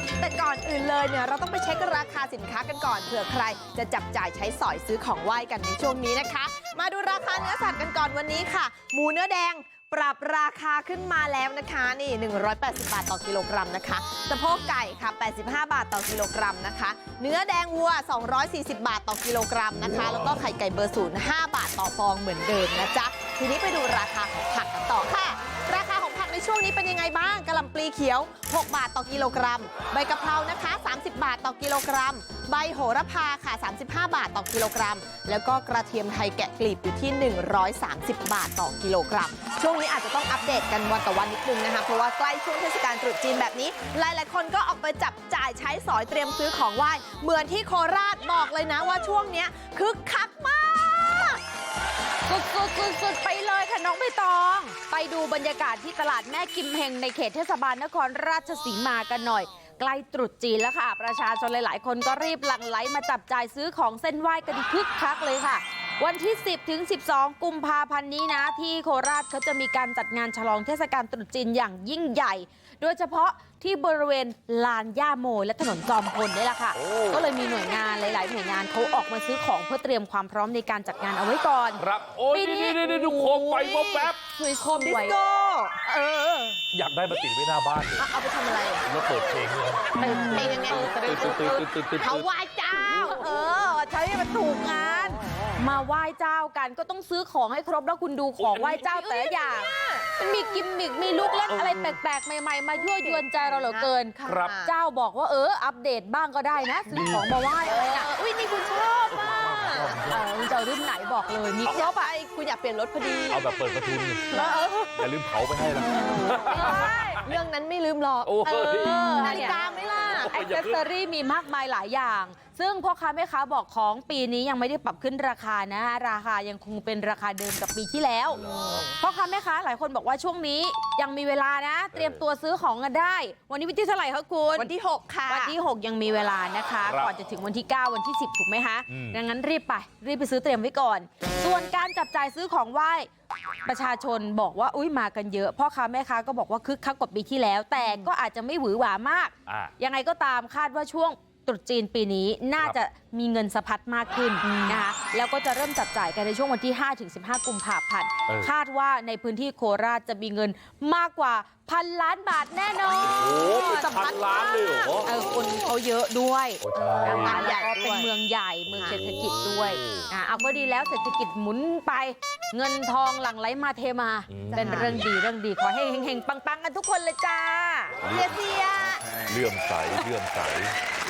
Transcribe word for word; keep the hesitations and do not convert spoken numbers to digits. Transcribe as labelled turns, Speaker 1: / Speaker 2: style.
Speaker 1: แต่ก่อนอื่นเลยเนี่ยเราต้องไปเช็คราคาสินค้ากันก่อนเผื่อใครจะจับจ่ายใช้สอยซื้อของไหว้กันในช่วงนี้นะคะมาดูราคาเนื้อสัตว์กันก่อนวันนี้ค่ะหมูเนื้อแดงปรับราคาขึ้นมาแล้วนะคะนี่หนึ่งร้อยแปดสิบบาทต่อกิโลกรัมนะคะสะโพกไก่ค่ะแปดสิบห้าบาทต่อกิโลกรัมนะคะเนื้อแดงวัวสองร้อยสี่สิบบาทต่อกิโลกรัมนะคะแล้วก็ไข่ไก่เบอร์ศูนย์ห้าบาทต่อฟองเหมือนเดิมนะจ๊ะทีนี้ไปดูราคาของผักกันต่อค่ะราคาของผักในช่วงนี้เป็นยังไงบ้างกะหล่ำปลีเขียวหกบาทต่อกิโลกรัมใบกะเพรานะคะสามสิบบาทต่อกิโลกรัมใบโหระพาค่ะสามสิบห้าบาทต่อกิโลกรัมแล้วก็กระเทียมไทยแกะกลีบอยู่ที่หนึ่งร้อยสามสิบบาทต่อกิโลกรัมช่วงนี้อาจจะต้องอัปเดตกันวันต่อวันนิดนึงนะคะเพราะว่าใกล้ช่วงเทศกาลตรุษจีนแบบนี้หลายๆคนก็ออกไปจับจ่ายใช้สอยเตรียมซื้อของไหว้เหมือนที่โคราชบอกเลยนะว่าช่วงนี้คึกคักมาก
Speaker 2: สุดๆๆๆไปเลยค่ะน้องใบตองไปดูบรรยากาศที่ตลาดแม่กิมเฮงในเขตเทศบาลนครราชสีมากันหน่อยใกล้ตรุษจีนแล้วค่ะประชาชนหลายๆคนก็รีบหลั่งไหลมาจับจ่ายซื้อของเส้นไหว้กันคึกคักเลยค่ะวันที่สิบถึงสิบสองกุมภาพันธ์นี้นะที่โคราชเขาจะมีการจัดงานฉลองเทศกาลตรุษจีนอย่างยิ่งใหญ่โดยเฉพาะที่บริเวณลานย่าโมและถนนจอมพลนี่แหละค่ะก็เลยมีหน่วยงานหลายๆหน่วยงานเขาออกมาซื้อของเพื่อเตรียมความพร้อมในการจัดงานเอาไว้ก่อน
Speaker 3: ครับโอ้ยนี่นี่นี่ดูโคมไฟบ๊อบแป๊บ
Speaker 2: สวยโคม
Speaker 1: ดิส
Speaker 2: ไว้
Speaker 1: โก้
Speaker 2: เออ
Speaker 3: อยากได้มาติดไว้หน้าบ้านเลย
Speaker 1: เอาไปทำอะไร
Speaker 3: แล้วเปิดเพลงด้วย
Speaker 1: เพลงยังไง
Speaker 2: เขาไหว้เจ้าเออใช้มันถูกงานมาไหว้เจ้ากันก็ต้องซื้อของให้ครบแล้วคุณดูของไหว้เจ้าแต่ละอย่างมันมีกิมมิกมีลูกเล่นอะไรแปลกๆใหม่ๆมายั่วยวนใจเราเหลือเกินเจ้าบอกว่าเอออัปเดตบ้างก็ได้นะซื้อของมาไหว้อะไรนะ
Speaker 1: อุ้ยนี่คุณชอบอ่ะ
Speaker 2: คุณจะรุ่นไหนบอกเลยมีครบอ่ะ
Speaker 1: คุณอยากเปลี่ยนรถพอดี
Speaker 3: เอาแบบเปิดประทุนอย่าลืมเผาไปให้นะ
Speaker 1: เรื่องนั้นไม่ลืมหรอกนาฬิกาไม่ล่ะ
Speaker 2: แอคเซสซอรี่มีมากมายหลายอย่างซึ่งพ่อค้าแม่ค้าบอกของปีนี้ยังไม่ได้ปรับขึ้นราคานะราคายังคงเป็นราคาเดิมกับปีที่แล้วพ่อค้าแม่ค้าหลายคนบอกว่าช่วงนี้ยังมีเวลานะเตรียมตัวซื้อของกันได้วันนี้วันที่เท่าไหร่คะคุณ
Speaker 1: วันที่หกค่ะ
Speaker 2: วันที่หกยังมีเวลานะคะก่อนจะถึงวันที่เก้าวันที่สิบถูกไหมคะดังนั้นรีบไปรีบไปซื้อเตรียมไว้ก่อนส่วนการจับจ่ายซื้อของไหว้ประชาชนบอกว่าอุ้ยมากันเยอะพ่อค้าแม่ค้าก็บอกว่าคึกคักกว่าปีที่แล้วแต่ก็อาจจะไม่หวือหวามากยังไงก็ตามคาดว่าช่วงตรุษจีนปีนี้น่าจะมีเงินสะพัดมากขึ้นนะคะแล้วก็จะเริ่มจับจ่ายกันในช่วงวันที่ห้าถึงสิบห้ากุมภาพันธ์คาดว่าในพื้นที่โคราชจะมีเงินมากกว่าพันล้านบาทแน่นอน
Speaker 3: โอ้สะพัดล้านเลยเหรอ
Speaker 2: เออคนเขาเยอะด้วยงานใหญ่ก็เป็นเมืองใหญ่เมืองเศรษฐกิจด้วยอ่าเอาก็ดีแล้วเศรษฐกิจหมุนไปเงินทองหลั่งไหลมาเทมาเป็นเรื่องดีเรื่องดีขอให้เฮงๆปังๆกันทุกคนเลยจ้า
Speaker 1: เสียเสีย
Speaker 3: เลื่อมใสเลื่อมใส